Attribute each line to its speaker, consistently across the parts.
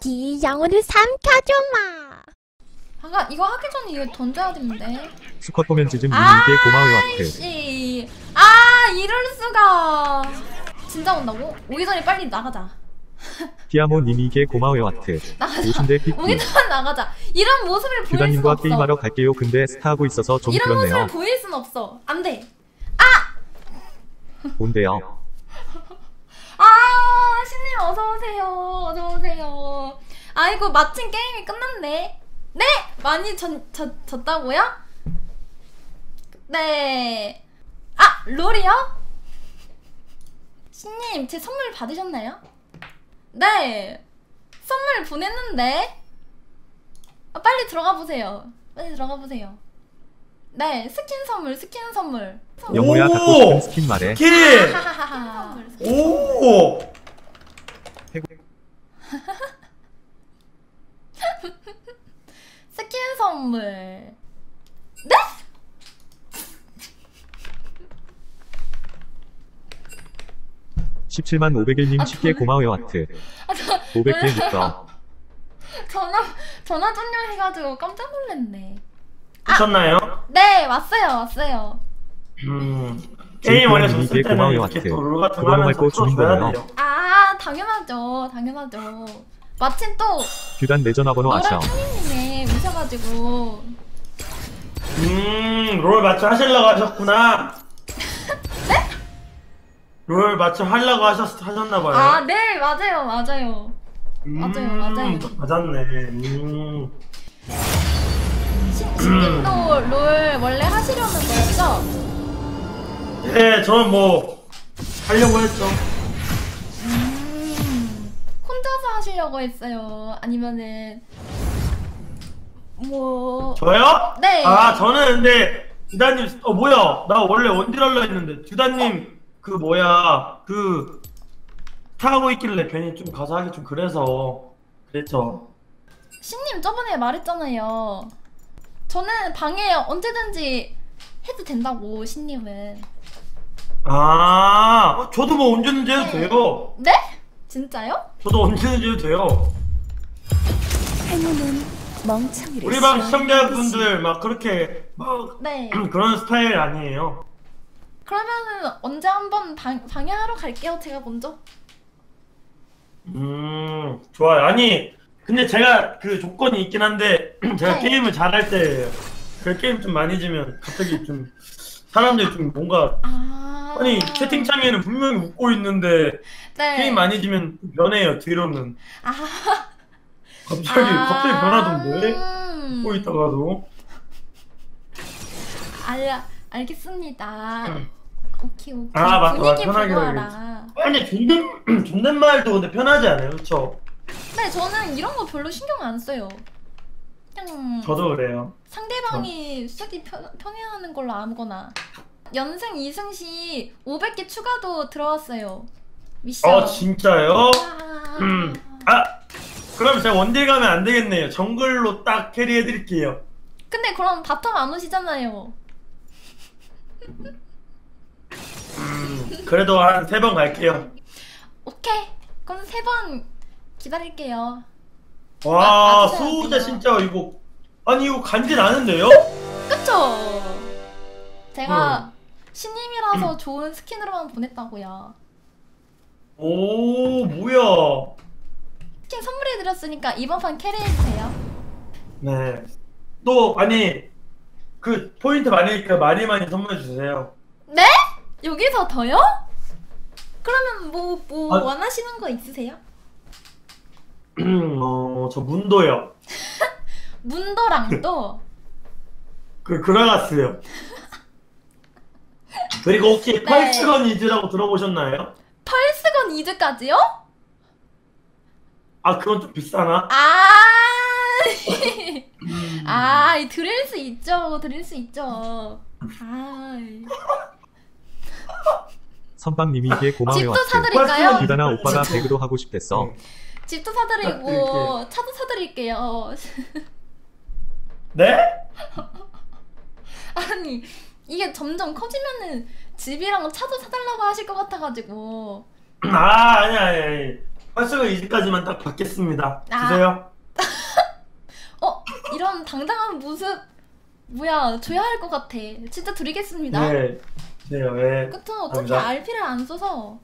Speaker 1: 영혼을 삼켜줘마.
Speaker 2: 잠깐 이거 하기 전에 이거 던져야 되는데.
Speaker 3: 스쿼트 보면 즈즘 님께 고마워요 하트.
Speaker 2: 씨. 아 이럴 수가. 진짜 온다고? 오기 전에 빨리 나가자.
Speaker 3: 피아모 님이게 고마워요 하트.
Speaker 2: 나가자.
Speaker 3: 오신데 삐삐.
Speaker 2: 오기 전에 나가자. 이런 모습을 보일 순
Speaker 3: 규다님과
Speaker 2: 없어.
Speaker 3: 게임하러 갈게요. 근데 스타하고 있어서 좀
Speaker 2: 이런
Speaker 3: 그렇네요.
Speaker 2: 모습을 보일 순 없어. 안 돼.
Speaker 3: 온대요.
Speaker 2: 아 신님 어서 오세요. 어서 오세요. 아이고 마침 게임이 끝났네. 네 많이 졌다고요? 네. 아 롤이요? 신님 제 선물 받으셨나요? 네 선물 보냈는데. 아, 빨리 들어가 보세요. 빨리 들어가 보세요. 네 스킨 선물.
Speaker 3: 영호야 갖고 싶은 스킨 말해.
Speaker 4: 스킨!
Speaker 2: 하하하하.
Speaker 4: 오!
Speaker 2: 스킨 선물. 네?
Speaker 3: 17만 501님 쉽게 고마워요 하트. 500개 있어.
Speaker 2: 전화 전료 해가지고 깜짝 놀랐네.
Speaker 4: 미쳤나요?
Speaker 2: 네 왔어요.
Speaker 4: 게임 원래 졌을
Speaker 3: 이게
Speaker 4: 때는
Speaker 3: 고마워요,
Speaker 4: 이렇게
Speaker 3: 하트.
Speaker 4: 또 롤 같은 거
Speaker 3: 그걸로
Speaker 4: 하면서
Speaker 3: 말고 주는
Speaker 4: 풀어줘야
Speaker 3: 거예요.
Speaker 4: 돼요.
Speaker 2: 아 당연하죠. 마침 또
Speaker 3: 규단 내 전화번호 아셔.
Speaker 2: 노란 탕님이 오셔가지고.
Speaker 4: 롤 맞춰 하시려고 하셨구나.
Speaker 2: 네?
Speaker 4: 롤 맞춰 하려고 하셨나봐요.
Speaker 2: 아 네 맞아요. 맞아요.
Speaker 4: 맞았네.
Speaker 2: 신님도 롤 원래 하시려는 거였죠?
Speaker 4: 네, 저는 뭐 하려고 했죠.
Speaker 2: 혼자서 하시려고 했어요? 아니면은 뭐
Speaker 4: 저요?
Speaker 2: 네.
Speaker 4: 아 저는 근데 듀다님 뭐야 나 원래 원딜 하려 했는데 듀다님 그 뭐야 그 타고 있길래 괜히 좀 가서 하기 좀 그래서 그랬죠.
Speaker 2: 신님 저번에 말했잖아요. 저는 방에 언제든지 해도 된다고. 신님은.
Speaker 4: 아 저도 뭐 언제든지 해도 돼요.
Speaker 2: 네? 진짜요?
Speaker 4: 저도 언제든지 해도 돼요.
Speaker 1: 행운은 멍청이를
Speaker 4: 우리 방 시청자분들 막 그렇게 막
Speaker 2: 네.
Speaker 4: 그런 스타일 아니에요.
Speaker 2: 그러면은 언제 한번 방해하러 갈게요. 제가 먼저.
Speaker 4: 좋아요. 아니 근데 제가 그 조건이 있긴 한데 제가
Speaker 2: 네.
Speaker 4: 게임을 잘할 때 그 게임 좀 많이 지면 갑자기 좀 사람들이 좀 뭔가 아니 채팅창에는 분명히 웃고 있는데
Speaker 2: 네.
Speaker 4: 게임 많이 지면 변해요. 뒤로는
Speaker 2: 아.
Speaker 4: 갑자기 변하던데 웃고 있다가도.
Speaker 2: 알겠습니다. 오케이.
Speaker 4: 아, 맞다.
Speaker 2: 분위기
Speaker 4: 편하게
Speaker 2: 보고하라.
Speaker 4: 아니 존댓말도 근데 편하지 않아요, 그렇죠?
Speaker 2: 네, 저는 이런 거 별로 신경 안 써요. 그냥
Speaker 4: 저도 그래요.
Speaker 2: 상대방이 쓰기 편해하는 걸로 아무거나. 연승 2승 시 500개 추가도 들어왔어요. 미션.
Speaker 4: 진짜요?
Speaker 2: 아.
Speaker 4: 그럼 제가 원딜 가면 안 되겠네요. 정글로 딱 캐리해드릴게요.
Speaker 2: 근데 그럼 바텀 안 오시잖아요.
Speaker 4: 그래도 한 3번 갈게요.
Speaker 2: 오케이. 그럼 3번 기다릴게요.
Speaker 4: 와,
Speaker 2: 맞으셔야
Speaker 4: 소우자
Speaker 2: 돼요.
Speaker 4: 진짜 이거 아니 이거 간지 나는데요?
Speaker 2: 그쵸? 제가 신님이라서 좋은 스킨으로만 보냈다고요.
Speaker 4: 오, 뭐야?
Speaker 2: 스킨 선물해드렸으니까 이번 판 캐리해주세요.
Speaker 4: 네. 또 아니 그 포인트 많으니까 많이 선물해 주세요.
Speaker 2: 네? 여기서 더요? 그러면 뭐
Speaker 4: 아.
Speaker 2: 원하시는 거 있으세요?
Speaker 4: 저 문도요.
Speaker 2: 문도랑도?
Speaker 4: 그라가스요. 그리고 혹시
Speaker 2: 네.
Speaker 4: 펄스건 이즈라고 들어보셨나요?
Speaker 2: 펄스건 이즈까지요?
Speaker 4: 아 그건 좀 비싸나?
Speaker 2: 드릴 수 있죠.
Speaker 3: 선빵님이게 고마워요
Speaker 2: 집도
Speaker 3: 하트.
Speaker 2: 사드릴까요?
Speaker 3: 규단아 오빠가 배그도 하고 싶댔어.
Speaker 2: 집도 사드리고 차도 사드릴게요.
Speaker 4: 네?
Speaker 2: 아니 이게 점점 커지면은 집이랑 차도 사달라고 하실 것 같아가지고.
Speaker 4: 아니. 활성을 이제까지만 딱 받겠습니다.
Speaker 2: 아.
Speaker 4: 주세요.
Speaker 2: 이런 당당한 모습 뭐야 줘야 할 것 같아. 진짜 드리겠습니다.
Speaker 4: 네. 네, 왜?
Speaker 2: 끝은 어떻게
Speaker 4: 감사합니다.
Speaker 2: RP를 안 써서.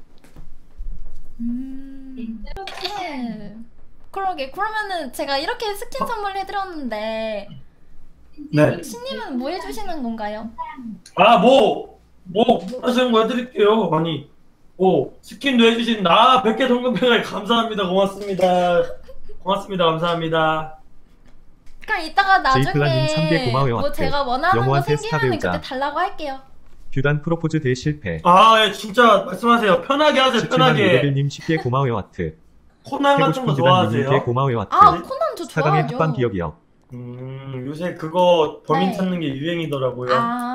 Speaker 2: 네. 그러게. 그러면은 제가 이렇게 스킨 선물 해드렸는데
Speaker 4: 네.
Speaker 2: 신님은 뭐 해주시는 건가요?
Speaker 4: 아, 뭐 하시는 거 해드릴게요. 아니, 스킨도 해주신 100개 동금패가 감사합니다. 고맙습니다. 감사합니다.
Speaker 2: 그럼 이따가
Speaker 3: 제이플라님 3개
Speaker 2: 나중에
Speaker 3: 고마워요.
Speaker 2: 뭐
Speaker 3: 하트.
Speaker 2: 제가 원하는 거
Speaker 3: 영호한테 스타
Speaker 2: 생기면
Speaker 3: 배우자.
Speaker 2: 그때 달라고 할게요.
Speaker 3: 규단 프로포즈 대실패.
Speaker 4: 아, 예, 진짜 말씀하세요. 편하게 하세요.
Speaker 3: 17만
Speaker 4: 편하게.
Speaker 3: 500일님 10개 고마워요. 하트.
Speaker 4: 코난
Speaker 3: 해고
Speaker 4: 같은
Speaker 3: 싶은
Speaker 4: 거
Speaker 3: 규단님께
Speaker 4: 좋아하세요?
Speaker 3: 고마워요. 하트.
Speaker 2: 아 코난 저
Speaker 3: 사강의
Speaker 2: 좋아하죠.
Speaker 3: 합방 기억이요.
Speaker 4: 요새 그거 범인
Speaker 2: 네.
Speaker 4: 찾는 게 유행이더라고요.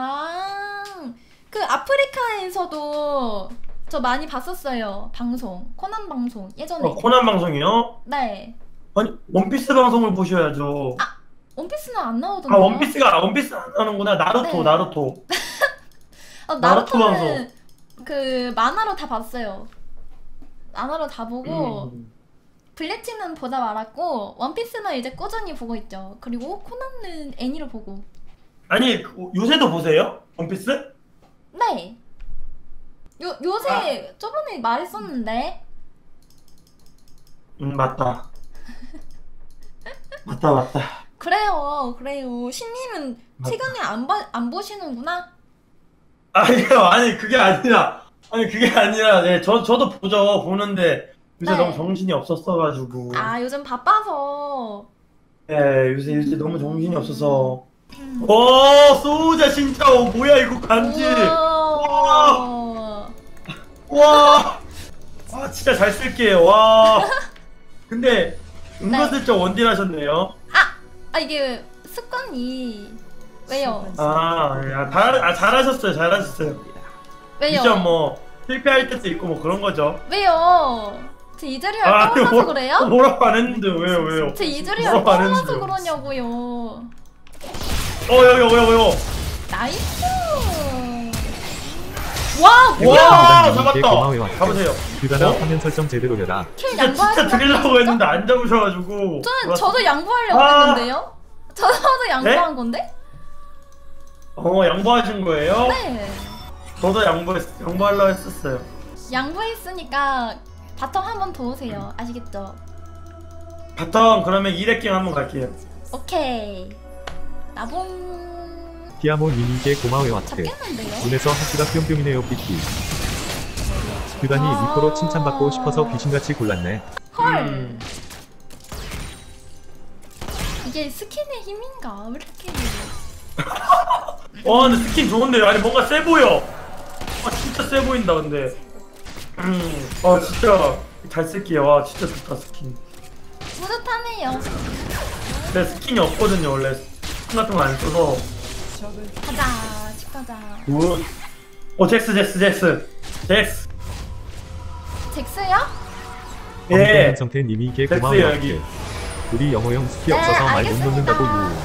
Speaker 2: 그 아프리카에서도 저 많이 봤었어요. 방송 코난 방송 예전에.
Speaker 4: 코난 방송이요?
Speaker 2: 네.
Speaker 4: 아니, 원피스 방송을 보셔야죠.
Speaker 2: 원피스는 안 나오던데.
Speaker 4: 아, 원피스 안 하는구나. 나루토,
Speaker 2: 네.
Speaker 4: 나루토. 나루토
Speaker 2: 나루토는 그 만화로 다 봤어요. 만화로 다 보고 블리치는 보다 말았고 원피스는 이제 꾸준히 보고 있죠. 그리고 코난은 애니로 보고.
Speaker 4: 아니, 요새도 보세요? 원피스?
Speaker 2: 네. 요새 저번에 말했었는데.
Speaker 4: 맞다. 맞다.
Speaker 2: 그래요. 신님은 최근에 안 보시는구나.
Speaker 4: 아니요, 아니, 그게 아니라. 네, 저도 보는데, 요새
Speaker 2: 네.
Speaker 4: 너무 정신이 없었어가지고.
Speaker 2: 아 요즘 바빠서.
Speaker 4: 네, 요새 너무 정신이 없어서. 소우자 진짜, 뭐야, 이거 간지.
Speaker 2: 우와.
Speaker 4: 와, 진짜 잘 쓸게요. 와. 근데, 은근슬쩍 원딜 하셨네요.
Speaker 2: 이게 습관이 왜요?
Speaker 4: 잘하셨어요.
Speaker 2: 왜요?
Speaker 4: 미션 뭐, 실패할 때도 있고 뭐 그런 거죠.
Speaker 2: 왜요? 제 이즈리얼 떠올라서 그래요?
Speaker 4: 뭐라고 안 했는데, 왜요?
Speaker 2: 제 이즈리얼
Speaker 4: 뭐라고 안
Speaker 2: 떠올라서
Speaker 4: 했는데요.
Speaker 2: 그러냐고요.
Speaker 4: 여기.
Speaker 2: 나이스. 와
Speaker 3: 해고
Speaker 2: 뭐야?
Speaker 4: 와,
Speaker 3: 싶은 규단님께
Speaker 4: 잡았다.
Speaker 3: 고마워요. 하트.
Speaker 4: 가보세요.
Speaker 3: 규단아
Speaker 4: 어?
Speaker 3: 화면 설정 제대로 해라.
Speaker 2: 킬
Speaker 4: 진짜
Speaker 2: 양보하지
Speaker 4: 드리려고 했는데 안 잡으셔가지고.
Speaker 2: 저도 양보하려고
Speaker 4: 아.
Speaker 2: 했는데요. 저도 양보한 건데?
Speaker 4: 양보하신 거예요?
Speaker 2: 네.
Speaker 4: 저도 양보하려고 했었어요.
Speaker 2: 양보했으니까 바텀 한 번 더 오세요. 아시겠죠?
Speaker 4: 바텀 그러면 2렙 갱 한번 갈게요.
Speaker 2: 오케이. 나봉
Speaker 3: 디아모 님께 고마워요. 하트.
Speaker 2: 잡겠는데요?
Speaker 3: 눈에서 하트가 뿅뿅이네요. 삐끼. 규단이 리코로 칭찬받고 싶어서 귀신같이 골랐네.
Speaker 2: 헐. 이게 스킨의 힘인가? 왜 이렇게
Speaker 4: 근데 스킨 좋은데요? 아니 뭔가 세 보여. 진짜 세 보인다 근데. 진짜 잘 쓸게요. 진짜 좋다 스킨.
Speaker 2: 뿌듯하네요.
Speaker 4: 내 스킨이 없거든요 원래. 스킨 같은 거 안 써서.
Speaker 2: 가자, 집 가자.
Speaker 4: 잭스.
Speaker 2: 잭스요?
Speaker 4: 예.
Speaker 3: 성태님이게
Speaker 4: 잭스
Speaker 3: 고마워요.
Speaker 4: 여기.
Speaker 3: 하트. 우리 영호 형 스키
Speaker 2: 네,
Speaker 3: 없어서 말 못
Speaker 2: 알겠습니다.
Speaker 3: 놓는다고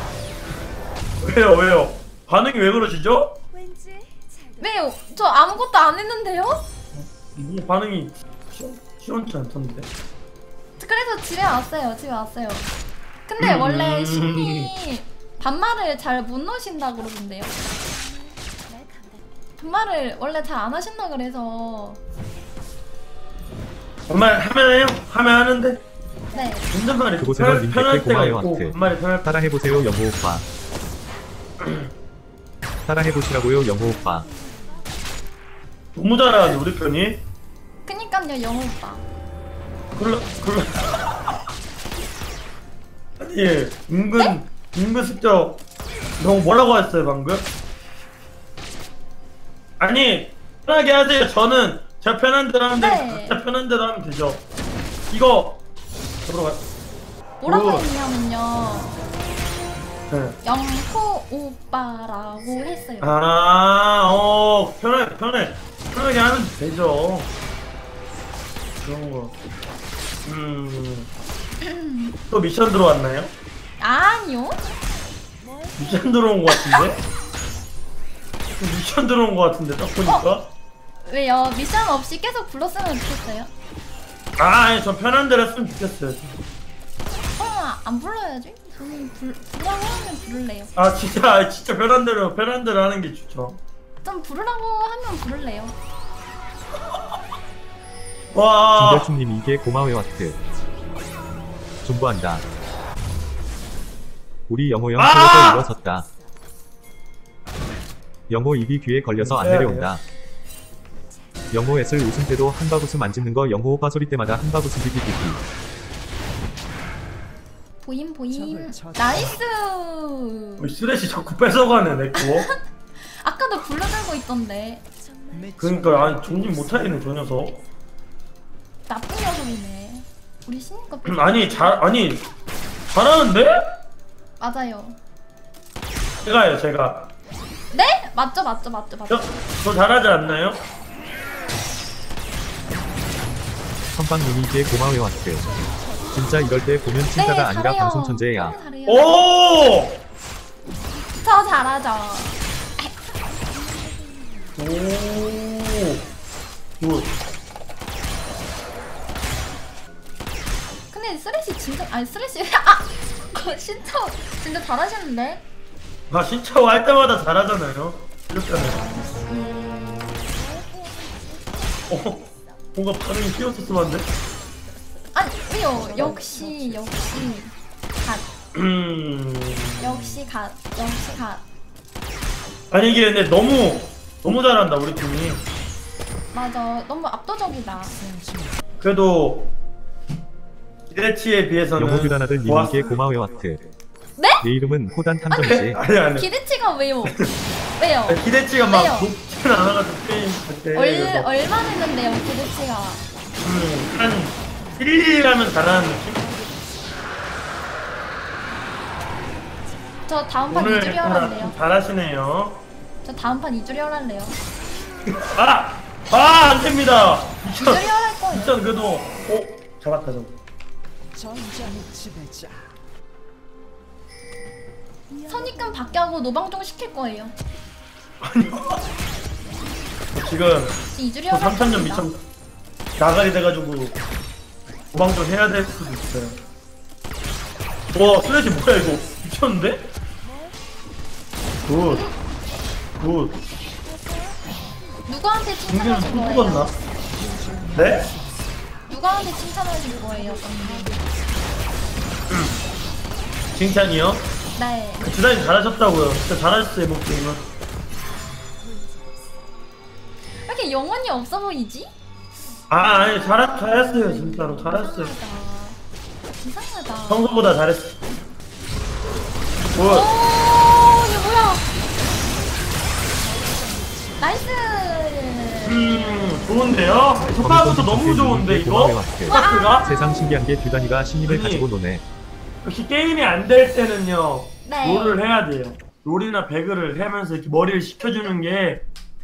Speaker 3: 유.
Speaker 4: 왜요? 반응이 왜 그러시죠?
Speaker 2: 왜요? 저 아무것도 안 했는데요?
Speaker 4: 뭐 반응이 시원치 않던데.
Speaker 2: 그래서 집에 왔어요. 근데 원래 신이 반말을 잘 못 넣으신다 그러던데요. 반말을 원래 잘 안 하신다 그래서.
Speaker 4: 정말 하면 해요? 하면 하는데
Speaker 2: 네.
Speaker 4: 운전말이
Speaker 3: 그곳에는 님께
Speaker 4: 편할 때가
Speaker 3: 고마워요,
Speaker 4: 있고
Speaker 3: 하트.
Speaker 4: 반말이 편할 때.
Speaker 3: 따라해보세요 영호 오빠. 따라해보시라고요 영호 오빠.
Speaker 4: 너무 잘하는데 우리 편이.
Speaker 2: 그니까요 영호 오빠.
Speaker 4: 그러 아니 은근슬쩍 너무 뭐라고 했어요 방금? 아니 편하게 하세요. 저는 제가 편한 대로 하면
Speaker 2: 네.
Speaker 4: 되고 각자 편한 대로 하면 되죠. 이거 잡으러 가요.
Speaker 2: 뭐라고
Speaker 4: 오.
Speaker 2: 했냐면요.
Speaker 4: 네.
Speaker 2: 영호 오빠라고 했어요.
Speaker 4: 편하게 하면 되죠. 그런 거. 또 미션 들어왔나요?
Speaker 2: 아니요.
Speaker 4: 미션 들어온 거 같은데? 미션 들어온 거 같은데 딱 보니까.
Speaker 2: 왜요? 미션 없이 계속 불렀으면 좋겠어요.
Speaker 4: 아, 전 편한 대로 했으면 좋겠어요.
Speaker 2: 안 불러야지. 저는 부르라고 하면 부를래요.
Speaker 4: 아, 진짜 편한 대로 하는 게 좋죠.
Speaker 2: 좀 부르라고 하면 부를래요.
Speaker 4: 와,
Speaker 3: 김별충님 이게 고마워요 하트. 존버한다. 우리 영호 형
Speaker 4: 아!
Speaker 3: 서로서 일어섰다. 영호 입이 귀에 걸려서 안 내려온다. 영호 애슬 웃음 때도 한박 웃음 안 짓는 거 영호 오빠 소리 때마다 한박 웃음 삐삐삐삐.
Speaker 2: 보임. 나이스.
Speaker 4: 쓰레쉬 자꾸 뺏어가네 내 거.
Speaker 2: 아까도 불러들고 있던데.
Speaker 4: 그러니까 아니 정신 못 차리네 저 녀석.
Speaker 2: 나쁜 녀석이네. 우리 신인 거 뺏.
Speaker 4: 아니 잘하는데?
Speaker 2: 맞아요.
Speaker 4: 제가.
Speaker 2: 네? 맞죠.
Speaker 4: 저 잘하지 않나요?
Speaker 3: 선빵님이 이게 고마워요 하트. 진짜 이럴 때 보면 칭따가 아니라
Speaker 2: 잘해요.
Speaker 3: 방송 천재야.
Speaker 2: 잘해요.
Speaker 4: 오!
Speaker 2: 저 잘하죠.
Speaker 4: 오. 굿.
Speaker 2: 근데 쓰레쉬 진짜 쓰레쉬 진짜 잘하시는데.
Speaker 4: 아 신차오 할 때마다 잘하잖아요. 이렇게 하면. 뭔가 반응이 띄었었으면 안 돼?
Speaker 2: 아니 왜요? 역시 갓. 역시 갓.
Speaker 4: 아니 이게 근데 너무 잘한다 우리 팀이.
Speaker 2: 맞아. 너무 압도적이다.
Speaker 4: 그래도 기대치에 비해서는
Speaker 3: 영호 듀단 아들 님이 이게 고마워요 하트.
Speaker 2: 네?
Speaker 3: 내 이름은 호단 탐정이지.
Speaker 4: 아니
Speaker 2: 기대치가 왜요? 왜요?
Speaker 4: 기대치가 막
Speaker 2: 왜요?
Speaker 4: 높지는 않아가지고 게임 그때
Speaker 2: 얼마 됐는데요, 기대치가?
Speaker 4: 한 1, 2라면 잘하는 느낌?
Speaker 2: 저 다음 판
Speaker 4: 오늘
Speaker 2: 2주리 하랄래요.
Speaker 4: 잘하시네요.
Speaker 2: 저 다음 판 2주리 하랄래요.
Speaker 4: 안 됩니다.
Speaker 2: 2주리 할 거예요.
Speaker 4: 일단 그래도 잡았다 좀.
Speaker 2: 선입금 받게 하고 노방종 시킬 거예요.
Speaker 4: 지금
Speaker 2: 2주리
Speaker 4: 또
Speaker 2: 하랄
Speaker 4: 3,000점
Speaker 2: 겁니다.
Speaker 4: 미천 나가리 돼가지고 도망좀 해야 될 수도 있어요. 와 슬래시 뭐야 이거 미쳤는데? 굿.
Speaker 2: 누구한테
Speaker 4: 중계는
Speaker 2: 칭찬하실
Speaker 4: 또
Speaker 2: 거예요?
Speaker 4: 죽었나? 네?
Speaker 2: 누구한테 칭찬하실 거예요, 언니?
Speaker 4: 칭찬이요?
Speaker 2: 네.
Speaker 4: 주단이 잘하셨다고요. 진짜 잘하셨어요 이번 게임은.
Speaker 2: 왜 이렇게 영혼이 없어 보이지?
Speaker 4: 아니 잘했어요 진짜로 잘했어요.
Speaker 2: 이상하다.
Speaker 4: 평소보다 잘했어.
Speaker 2: 오, 이거 뭐야? 나이스.
Speaker 4: 좋은데요? 초반부터 너무 좋은데 이거? 스타트가?
Speaker 3: 세상 신기한 게 듀단이가 신입을
Speaker 4: 아니.
Speaker 3: 가지고 노네.
Speaker 4: 역시 게임이 안 될 때는요
Speaker 2: 네.
Speaker 4: 롤을 해야 돼요. 롤이나 배그를 하면서 이렇게 머리를 식혀주는 게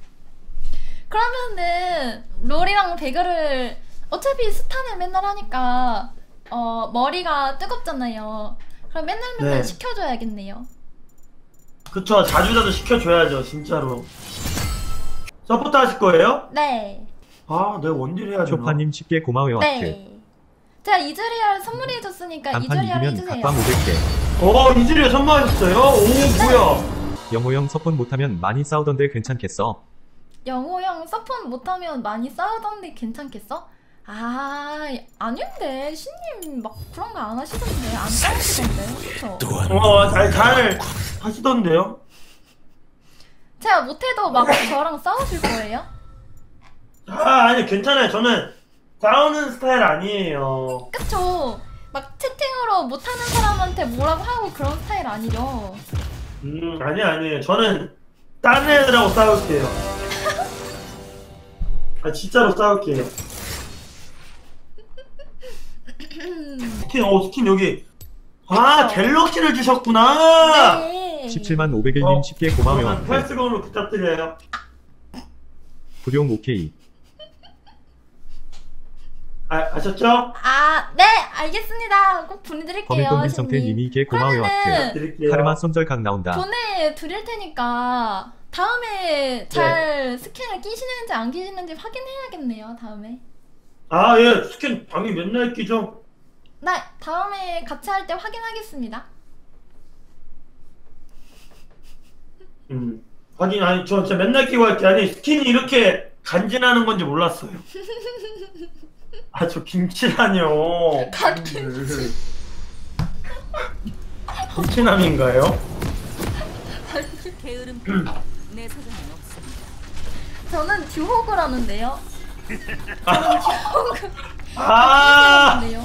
Speaker 2: 그러면은 롤이랑 배그를 어차피 스타는 맨날 하니까 머리가 뜨겁잖아요. 그럼 맨날
Speaker 4: 네.
Speaker 2: 시켜줘야겠네요.
Speaker 4: 그쵸 자주 시켜줘야죠 진짜로. 서포트 하실 거예요?
Speaker 2: 네.
Speaker 4: 아 내가 원딜 해야 되나?
Speaker 3: 쇼파님 쉽게 고마워요 하트.
Speaker 2: 네. 제가 이즈리얼 선물해줬으니까
Speaker 3: 단판
Speaker 2: 이즈리얼
Speaker 3: 이기면
Speaker 2: 해주세요.
Speaker 3: 각방 500개.
Speaker 4: 이즈리얼 선물하셨어요? 오 뭐야?
Speaker 3: 영호 형 서폰 못하면 많이 싸우던데 괜찮겠어?
Speaker 2: 영호 형 서폰 못하면 많이 싸우던데 괜찮겠어? 아닌데 신님 막 그런 거 안 하시던데 안 싸우시던데 그쵸?
Speaker 4: 잘 하시던데요?
Speaker 2: 제가 못해도 막 저랑 싸우실 거예요?
Speaker 4: 아니 괜찮아요. 저는 싸우는 스타일 아니에요.
Speaker 2: 그쵸? 막 채팅으로 못하는 사람한테 뭐라고 하고 그런 스타일 아니죠?
Speaker 4: 아니에요. 저는 딴 애들하고 싸울게요. 진짜로 싸울게요. 스킨 여기. 갤럭시를 주셨구나.
Speaker 2: 네.
Speaker 3: 17만 500일님 쉽게 고마워요 하트.
Speaker 4: 패스건으로 부탁드려요.
Speaker 3: 구룡 오케이.
Speaker 4: 아셨죠?
Speaker 2: 네 알겠습니다. 꼭 보내드릴게요.
Speaker 3: 범인돈 김성태님이 이게 고마워요 하트.
Speaker 4: 드릴게요.
Speaker 3: 카르마 손절각 나온다.
Speaker 2: 보내드릴 테니까 다음에 잘 스킨을 끼시는지 안 끼시는지 확인해야겠네요. 다음에.
Speaker 4: 아, 예, 스킨 방이 맨날 끼죠?
Speaker 2: 나 다음에 같이 할 때 확인하겠습니다.
Speaker 4: 하긴, 아니, 저 진짜 맨날 끼고 할게. 아니, 스킨이 이렇게 간지나는 건지 몰랐어요. 아, 저 김치라뇨. 김치남인가요?
Speaker 5: 게으름 내 사전엔 없습니다.
Speaker 2: 저는 듀호그라는데요.
Speaker 4: 아,
Speaker 2: 듀호그라는데요.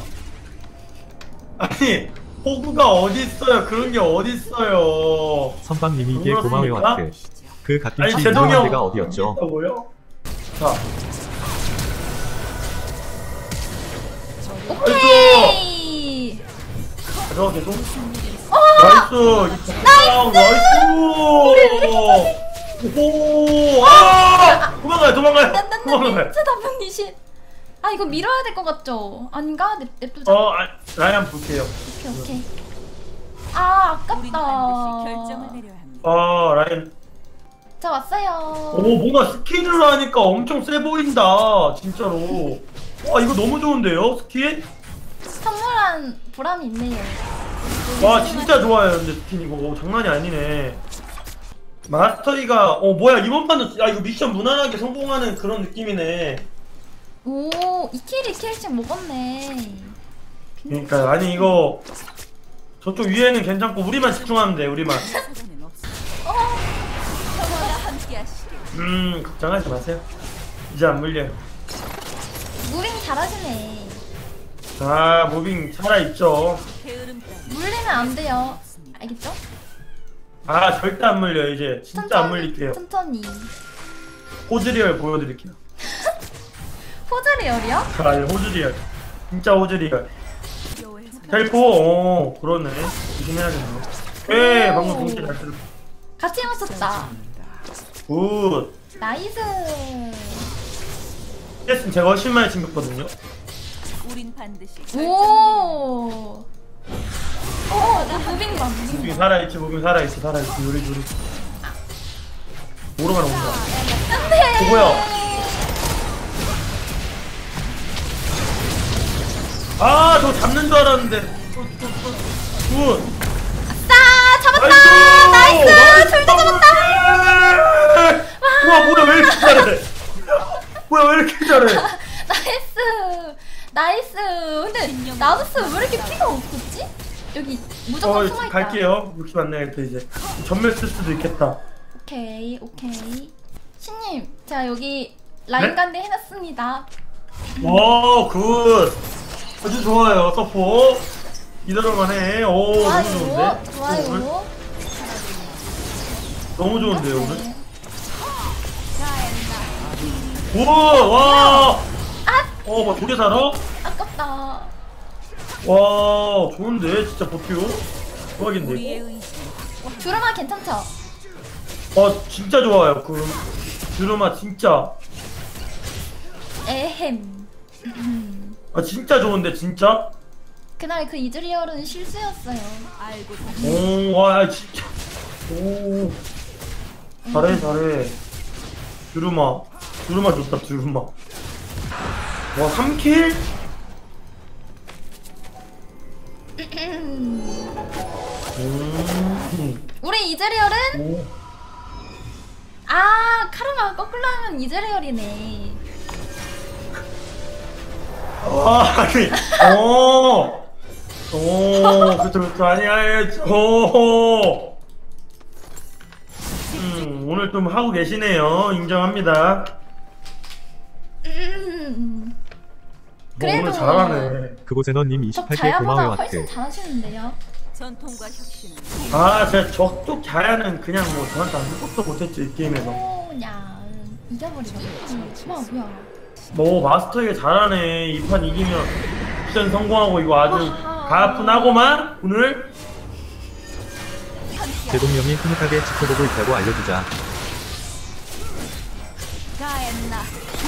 Speaker 4: 아니, 호구가 어딨어요? 그런 게 어딨어요?
Speaker 3: 선방님이게 고마워요
Speaker 4: 그렇습니까?
Speaker 3: 하트. 그
Speaker 4: 아니,
Speaker 3: 갓김치
Speaker 4: 제동이
Speaker 3: 유명한
Speaker 4: 형.
Speaker 3: 데가 어디였죠?
Speaker 4: 있다고요? 자,
Speaker 2: 오케이.
Speaker 4: 가져가 계속. 나이스! 나이스! 오! 아! 도망가요, 도망가요! 도망가요!
Speaker 2: 진짜 담당이신. 아 이거 밀어야 될 것 같죠? 아닌가? 냅두자.
Speaker 4: 라이언 볼게요.
Speaker 2: 오케이 오케이. 아
Speaker 5: 우린
Speaker 2: 아깝다.
Speaker 5: 반드시 결정을 내려야 합니다.
Speaker 4: 라이언.
Speaker 2: 자 왔어요.
Speaker 4: 오, 뭔가 스킨으로 하니까 엄청 세 보인다. 진짜로. 와, 이거 너무 좋은데요? 스킨?
Speaker 2: 선물한 보람이 있네요.
Speaker 4: 와, 진짜 좋아요. 근데 스킨 이거 장난이 아니네. 마스터리가, 뭐야, 이번 판도, 이거 미션 무난하게 성공하는 그런 느낌이네.
Speaker 2: 오 2킬씩 먹었네.
Speaker 4: 그러니까, 아니, 이거, 저쪽 위에는 괜찮고, 우리만 집중하면 돼, 우리만.
Speaker 5: 내 사전엔 없습니다. 저와 함께하시길.
Speaker 4: 걱정하지 마세요. 이제 안 물려요.
Speaker 2: 무빙 잘하시네.
Speaker 4: 자, 무빙 살아있죠.
Speaker 5: 게으름 따위
Speaker 2: 물리면 안 돼요. 알겠죠?
Speaker 4: 아, 절대 안 물려요, 이제. 진짜 안 물릴게요.
Speaker 2: 천천히.
Speaker 4: 호즈리얼 보여드릴게요.
Speaker 2: 포즈리얼이요?
Speaker 4: 자, 호즈리얼. 진짜 호즈리얼.
Speaker 5: 여호에서
Speaker 4: 텔포, 그러네. 조심해야겠네요. 예, 방금 동시 잘 들었어.
Speaker 2: 같이 해봤었다.
Speaker 4: 굿.
Speaker 2: 나이스.
Speaker 4: CS 제가 훨씬 많이 챙겼거든요.
Speaker 5: 우린 반드시 결정을 내려야
Speaker 2: 오. 나 무빙 봐. 무빙
Speaker 4: 무빙
Speaker 2: 봐.
Speaker 4: 살아있지, 무빙 살아있지, 요리. 오르만 온다.
Speaker 2: 안돼.
Speaker 4: 뭐야? 아, 저 잡는 줄 알았는데. 굿.
Speaker 2: 아싸 잡았다. 나이스. 둘 다 잡았다.
Speaker 4: 와, 뭐야, 왜 이렇게 잘해? 뭐야, 왜 이렇게 잘해?
Speaker 2: 나이스. 근데 나우스 왜 이렇게 피가 없었지? 여기 무조건 숨어있다.
Speaker 4: 갈게요. 욕심 안 내야겠다, 이제. 전멸 쓸 수도 있겠다.
Speaker 2: 오케이. 신님, 제가 여기 라인
Speaker 4: 네?
Speaker 2: 간대 해놨습니다.
Speaker 4: 와, 굿. 아주 좋아요, 서포. 이대로만 해. 오, 너무 좋은데?
Speaker 2: 좋아요.
Speaker 4: 너무 좋은데요, 오늘?
Speaker 2: 네.
Speaker 4: 우와, 와. 뭐, 두 개 살아?
Speaker 2: 아깝다.
Speaker 4: 와, 좋은데? 진짜 버티오? 대박인데,
Speaker 5: 우리의
Speaker 4: 이거?
Speaker 5: 의지
Speaker 2: 주름아 괜찮죠?
Speaker 4: 진짜 좋아요, 주름아, 진짜.
Speaker 2: 에헴.
Speaker 4: 진짜 좋은데, 진짜?
Speaker 2: 그날 그 이즈리얼은 실수였어요.
Speaker 5: 알고
Speaker 4: 오, 와, 진짜. 오. 잘해. 주름아 좋다, 주름아. 와, 3킬?
Speaker 2: 우리 이즈리얼은
Speaker 4: 오.
Speaker 2: 카르마 거꾸로 하면 이즈리얼이네.
Speaker 4: 아니, 그쵸, 아니, 오늘 좀 하고 계시네요. 인정합니다.
Speaker 2: 그래도
Speaker 4: 오늘 잘하네.
Speaker 3: 그곳에너님
Speaker 2: 적
Speaker 3: 28개
Speaker 2: 자야보다
Speaker 3: 고마워요
Speaker 2: 훨씬
Speaker 3: 하트.
Speaker 2: 잘하시는데요.
Speaker 5: 전통과 혁신은
Speaker 4: 제가 적쪽 자야는 그냥 뭐 저한테 아무것도 못했죠, 이 게임에서.
Speaker 2: 그냥 이겨버리겠지. 뭐야.
Speaker 4: 뭐, 마스터에게 잘하네. 이 판 이기면 미션 성공하고 이거 아주
Speaker 2: 아하.
Speaker 4: 가뿐하고만, 오늘.
Speaker 3: 제동형이 흐뭇하게 지켜보고 있다고 알려주자.
Speaker 5: 가엔나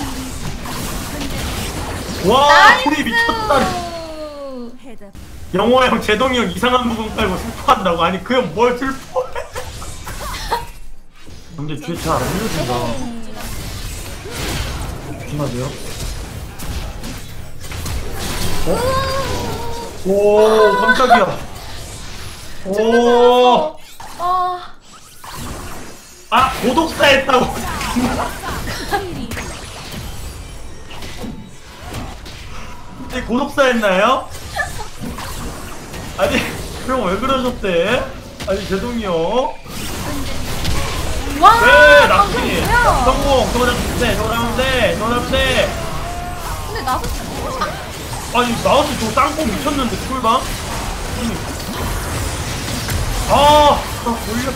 Speaker 4: 와, 소리 미쳤다.
Speaker 5: 해답
Speaker 4: 영호 형, 제동이 형 이상한 부분 깔고 슬퍼한다고? 아니, 그 형 뭘 슬퍼해? 근데 뒤에 잘안 밀어준다. 조심하세요. 오 깜짝이야. 오.
Speaker 2: 아,
Speaker 4: 아 고독사 했다고. 네, 고독사 했나요? 아니 그럼 왜 그러셨대? 아니 죄송해요.
Speaker 2: 와.
Speaker 4: 네
Speaker 2: 방금
Speaker 4: 낙순이
Speaker 2: 뭐야?
Speaker 4: 성공. 저거 잡으면 돼. 저거 잡으면 돼. 저거 잡으면 돼.
Speaker 2: 근데 나도
Speaker 4: 아니 나우스 저 땅콩 미쳤는데 꿀방? 아 돌려.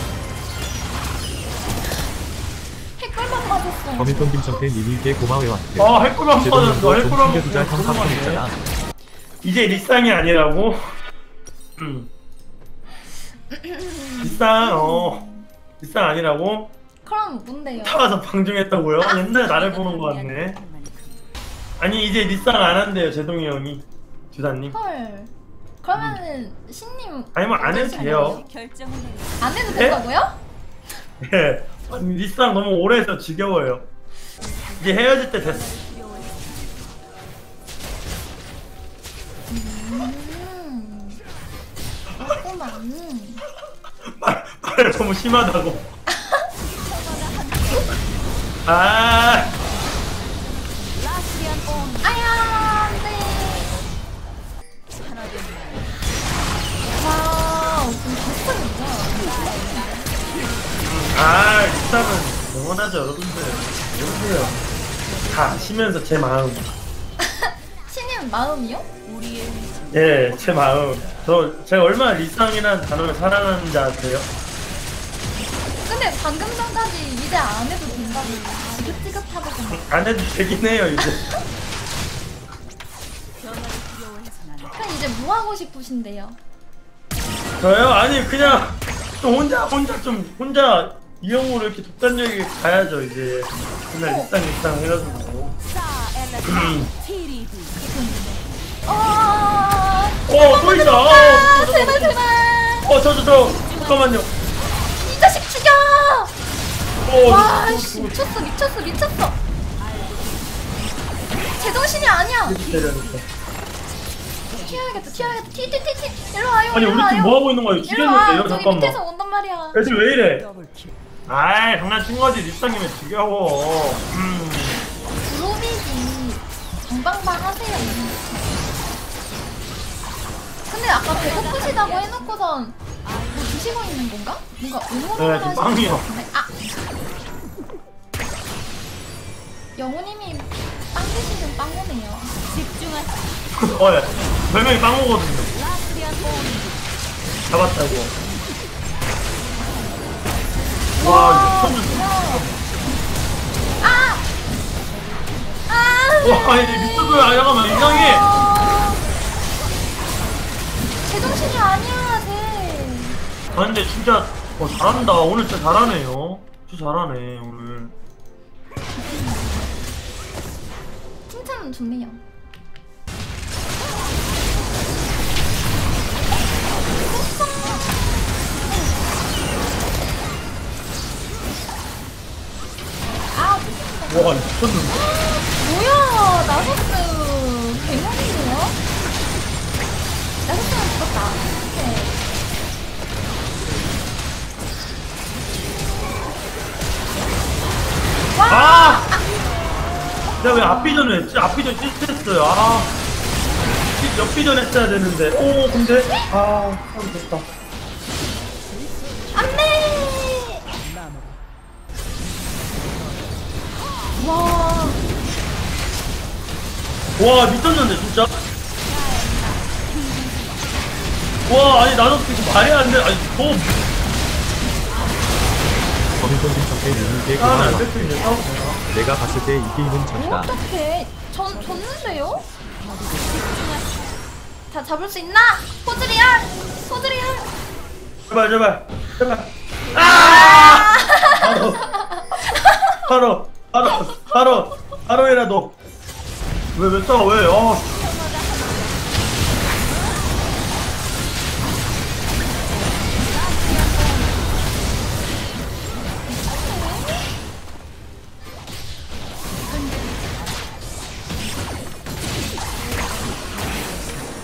Speaker 2: 핵걸만 맞았어.
Speaker 3: 범인돈 김성태 님이게 고마워요.
Speaker 4: 아 헬꿀만
Speaker 3: 제동
Speaker 4: 빠졌어.
Speaker 3: 형도 좀
Speaker 4: 헬꿀만
Speaker 3: 챙겨주자 형
Speaker 4: 빠졌어.
Speaker 3: 깜빡했잖아.
Speaker 4: 이제 리쌍이 아니라고? 리쌍 아니라고?
Speaker 2: 그럼 뭔데요?
Speaker 4: 타가서 방종했다고요? 옛날에 나를 보는 거 같네. 아니 이제 리쌍 안 한대요 제동이 형이. 주사님.
Speaker 2: 헐. 그러면은 신님
Speaker 4: 아니 뭐 안 해도 돼요.
Speaker 5: 결정을 내리.
Speaker 2: 안 해도
Speaker 4: 네?
Speaker 2: 된다고요?
Speaker 4: 예. 아니, 리쌍 너무 오래 해서 지겨워요. 이제 헤어질 때 됐어.
Speaker 2: 그렇구만.
Speaker 4: 말 너무 심하다고. 아.
Speaker 5: 라스리안 온
Speaker 2: 아야, 안돼.
Speaker 5: 하나된
Speaker 2: 와, 좀 비슷하겠다.
Speaker 4: 아, 리쌍은 영원하죠, 여러분들. 여보세요. 다 아시면서 제 마음.
Speaker 2: 신님 마음이요?
Speaker 5: 우리의
Speaker 4: 예, 제 마음. 제가 얼마나 리쌍이라는 단어를 사랑하는지 아세요?
Speaker 2: 근데 방금 전까지 이제 안 해도 된다고 지긋지긋하더구만.
Speaker 4: 안 해도 되긴 해요, 이제.
Speaker 5: 변화를 두려워해서 나는
Speaker 2: 그럼 이제 뭐 하고 싶으신데요?
Speaker 4: 저요? 아니, 그냥 좀 혼자 이형으로 이렇게 독단적이게 가야죠, 이제. 맨날 리쌍 해가지고.
Speaker 5: 사 엘레 티리디
Speaker 4: 또 있다!
Speaker 2: 아, 제발 제발.
Speaker 4: 잠깐만요.
Speaker 2: 이 자식 죽여! 와, 씨, 미쳤어. 제정신이 아니야.
Speaker 4: 때려야겠다.
Speaker 2: 튀어야겠다. 티. 일로 와요.
Speaker 4: 아니,
Speaker 2: 일로
Speaker 4: 우리
Speaker 2: 와요.
Speaker 4: 팀 뭐하고 있는 거야?
Speaker 2: 일로 와.
Speaker 4: 죽였는데요?
Speaker 2: 저기
Speaker 4: 잠깐만.
Speaker 2: 밑에서 온단 말이야.
Speaker 4: 애들 왜 이래? 아이, 장난친 거지. 리쌍이면 지겨워.
Speaker 2: 그룹이지. 정방방 하세요. 근데 아까 배고프시다고 해놓고선 뭐 드시고 있는 건가? 뭔가 응원을
Speaker 4: 네, 지금
Speaker 2: 하시는
Speaker 4: 빵이요.
Speaker 2: 것 같은데. 아! 영우님이 빵 드시는 빵이네요.
Speaker 5: 집중하자.
Speaker 4: 예. 별명이 빵오거든요.
Speaker 5: 라스리안 온
Speaker 4: 잡았다고. 와, 미쳤는데.
Speaker 2: 아! 아!
Speaker 4: 와, 이제 미쳤어요. 잠깐만, 이상해.
Speaker 2: 제정신이 아니야, 쟤.
Speaker 4: 아, 근데 진짜, 잘한다. 오늘 진짜 잘하네요. 진짜 잘하네, 오늘.
Speaker 2: 칭찬은 좋네요. 아,
Speaker 4: 와, 미쳤는데.
Speaker 2: 뭐야, 나서스 개명이네요? 나서스는 죽었다. 오케이.
Speaker 4: 아! 내가 왜 앞비전을 했지? 앞비전 실수했어요. 아. 옆비전 했어야 되는데. 오, 근데. 아, 참 됐다.
Speaker 2: 안 돼! 와,
Speaker 4: 와, 미쳤는데, 진짜. 와, 아니, 나도 지금 말이 안 돼. 아니,
Speaker 3: 범인돈 김성태 님이게
Speaker 4: 싸우면 안
Speaker 3: 고마워요.
Speaker 4: 될 수 있네, 싸우면 되나?
Speaker 3: 내가 봤을 때 이 게임은
Speaker 2: 뭐
Speaker 3: 졌다.
Speaker 2: 어떡해. 졌는데요? 다 잡을 수 있나? 포즈리얼!
Speaker 4: 제발. 아! 바로 해라, 너. 왜 싸워, 왜?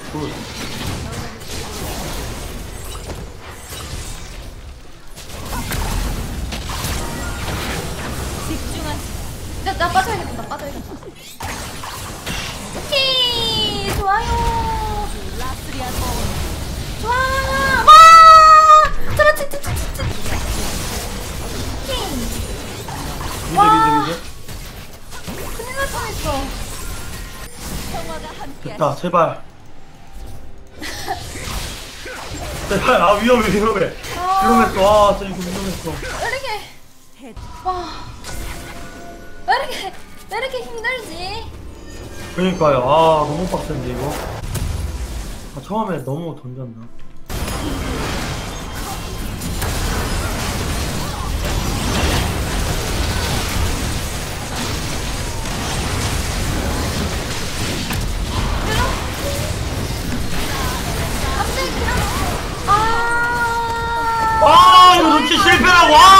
Speaker 4: 굿.
Speaker 5: 집중하세요.
Speaker 2: 나 빠져야겠다. 나 빠져야겠다. 오케이 좋아요.
Speaker 5: 라스리아 본.
Speaker 2: 좋아. 와. 그렇지. 오케이. 와.
Speaker 4: 미드.
Speaker 2: 큰일 날 뻔했어.
Speaker 5: 평화가 함께.
Speaker 4: 됐다, 제발. 제발, 아, 위험해. 위험했어. 아, 진짜 이거 위험했어.
Speaker 2: 왜 이렇게
Speaker 5: 헤드.
Speaker 2: 와. 왜 이렇게 힘들지?
Speaker 4: 그러니까요. 아, 너무 빡센데, 이거. 아, 처음에 너무 던졌나.
Speaker 2: 갑자기 그냥 아.
Speaker 4: 아, 이거 놓치 실패라고! 아!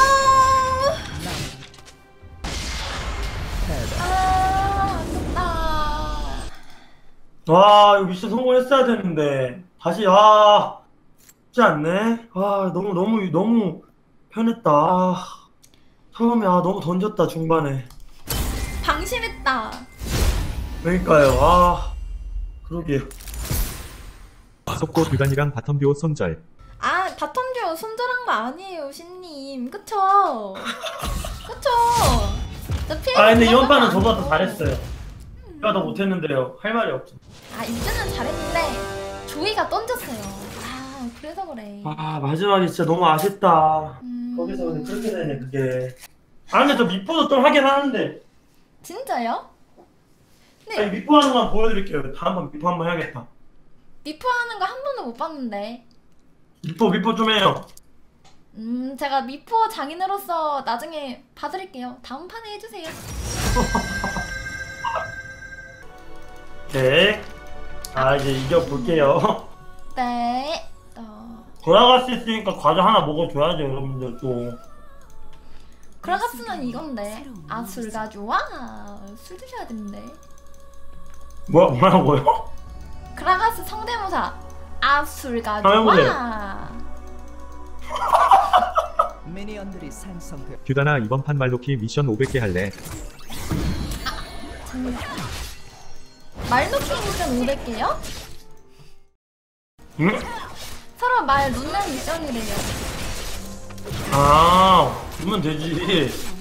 Speaker 2: 아깝다.
Speaker 4: 와, 이거 미션 성공했어야 되는데. 다시, 아. 쉽지 않네. 아, 너무 편했다. 아, 처음에, 아, 너무 던졌다, 중반에.
Speaker 2: 방심했다.
Speaker 4: 그러니까요, 아. 그러게요.
Speaker 3: 속보 듀단이랑 바텀 듀오 손절.
Speaker 2: 아 바텀듀오 손절한 거 아니에요 신님. 그쵸? 저
Speaker 4: 아, 근데 이번
Speaker 2: 피해서
Speaker 4: 판은
Speaker 2: 안
Speaker 4: 저보다 더
Speaker 2: 하고.
Speaker 4: 잘했어요. 제가 더 못했는데요. 할 말이 없죠.
Speaker 2: 아 이제는 잘했는데 조이가 던졌어요. 아 그래서 그래.
Speaker 4: 아, 마지막에 진짜 너무 아쉽다.
Speaker 2: 음,
Speaker 4: 거기서 근데 그렇게 되네, 그게. 아, 근데 저 미포도 좀 하긴 하는데.
Speaker 2: 진짜요?
Speaker 4: 아니, 미포 하는 건 보여드릴게요. 다음번 미포 한번 해야겠다.
Speaker 2: 미포하는 거 한 번도 못 봤는데.
Speaker 4: 미포 좀 해요.
Speaker 2: 제가 미포 장인으로서 나중에 봐드릴게요. 다음 판에 해주세요.
Speaker 4: 네. 아, 이제 이겨볼게요.
Speaker 2: 네.
Speaker 4: 돌아갈 수 있으니까 과자 하나 먹어줘야죠, 여러분들 또.
Speaker 2: 그라가스는 이건데. 아 술 가져와. 술 드셔야 되는데.
Speaker 4: 뭐라고요?
Speaker 2: 그라가스 성대모사. 아 술
Speaker 4: 한번
Speaker 2: 가져와.
Speaker 6: 미니언들이 생성돼.
Speaker 3: 듀단아 이번 판 말로키 미션 500개 할래.
Speaker 2: 말놓기 미션 500개요?
Speaker 4: 응?
Speaker 2: 서로 말 놓는 미션이래요.
Speaker 4: 아, 주면 되지.